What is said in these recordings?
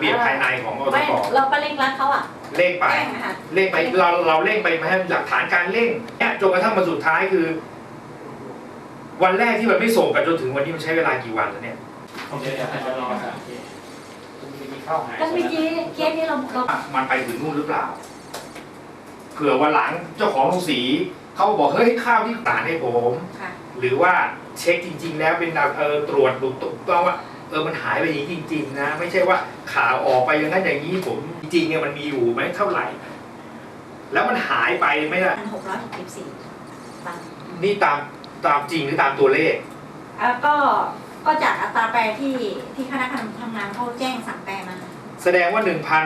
เบียบภายในของอตก. เราก็เร่งรัดเขาอ่ะเร่งไปเราเร่งไปมาให้หลักฐานการเร่งเนี่ยจนกระทั่งมาสุดท้ายคือ วันแรกที่มันไม่ส่งกันจนถึงวันนี้มันใช้เวลากี่วันแล้วเนี่ยผมจะให้เขาลองกันก็เมื่อกี้เคสนี้เรามันไปถึงนู่นหรือเปล่าเผื่อวันหลังเจ้าของโรงสีเขาบอกเฮ้ยข้าวที่ตากให้ผมหรือว่าเช็คจริงๆแล้วเป็นตรวจดูต้องว่ามันหายไปอย่างนี้จริงๆนะไม่ใช่ว่าข่าวออกไปอย่างนั้นอย่างนี้ผมจริงๆเนี่ยมันมีอยู่ไหมเท่าไหร่แล้วมันหายไปไม่ได้ 1,664 ตันนี่ตามจริงหรือตามตัวเลขก็จากอัตราแปรที่คณะกรรมการทำงานเขาแจ้งสั่งแปรมาแสดงว่า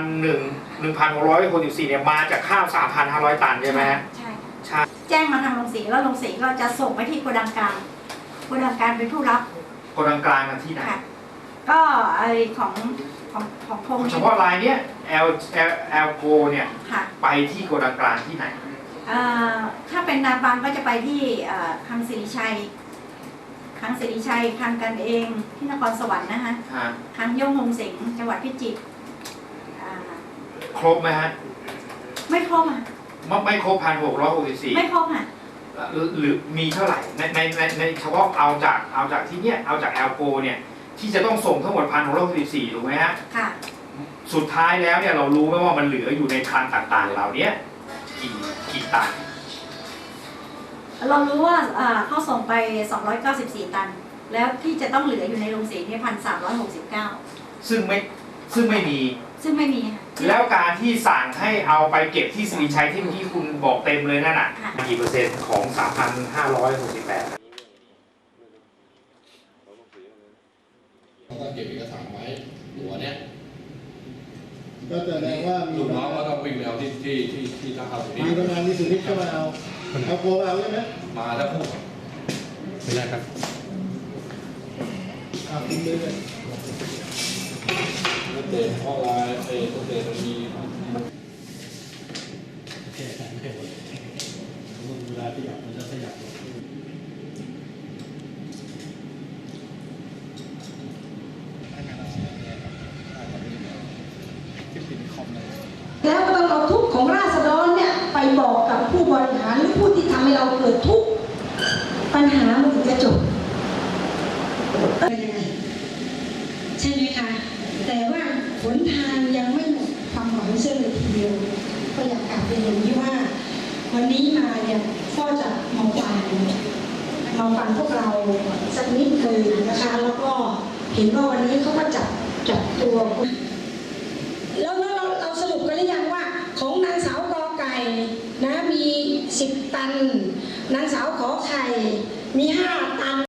1,664 เนี่ยมาจากข้าว 3,500 ตันใช่ไหมใช่แจ้งมาทางโรงสีแล้วโรงสีก็จะส่งไปที่โกดังกลางเป็นผู้รับโกดังกลางที่ไหนก็ไอของพงเฉพาะรายเนี้ยL Go เนี่ยไปที่โกดังกลางที่ไหนถ้าเป็นนาบังก็จะไปที่คลังสิริชัยคลังกันเองที่นครสวรรค์นะคะคลังย่งฮงสิงห์จังหวัดพิจิตรครบไหมฮะไม่ครบอ่ะไม่ครบ 1,664 ไม่ครบอ่ะหรือมีเท่าไหร่ในเฉพาะเอาจากที่เนี้ยเอาจากL Go เนี่ยที่จะต้องส่งทั้งหมด 1,664 ถูกไหมฮะค่ะสุดท้ายแล้วเนี่ยเรารู้ไหมว่ามันเหลืออยู่ในคลังต่างๆเหล่านี้กี่ตันเรารู้ว่าเขาส่งไป294 ตันแล้วที่จะต้องเหลืออยู่ในโรงสีเนี่ย1,369 ซึ่งไม่มีแล้วการที่สั่งให้เอาไปเก็บที่สิริชัยที่เมื่อกี้คุณบอกเต็มเลยนั่นน่ะกี่เปอร์เซ็นต์ของ 3,568 เขาก็เก็บเอกสารไว้หัวเนี้ยก็แสดงว่าลูกน้องก็ต้องวิ่งเอาที่ท่าข้าวมีประมาณมีสุนิทก็มาเอาโกเอาใช่ไหมมาแล้วพูดไม่ได้ครับคุณเลยเตะข้อลายเตะมันมีแค่แต่ไม่หมดเวลาขยับมันจะขยับแล้วก็ต้องเอาทุกข์ของราษฎรเนี่ยไปบอกกับผู้บริหารหรือผู้ที่ทำให้เราเกิดทุกข์ปัญหามันถึงจะจบใช่ไหมคะแต่ว่าหนทางยังไม่หมดความหวังเชื่อเลยทีเดียวก็อยากกลับเรียนอย่างนี้ว่าวันนี้มาเนี่ยก็จะมาฟังพวกเราสักนิดเลยนะคะแล้วก็เห็นว่าวันนี้เขาก็จับตัวแล้วเราสรุปกันหรือยังว่าของนางสาวกอไก่นะมี10 ตันนางสาวขอไข่มี5 ตัน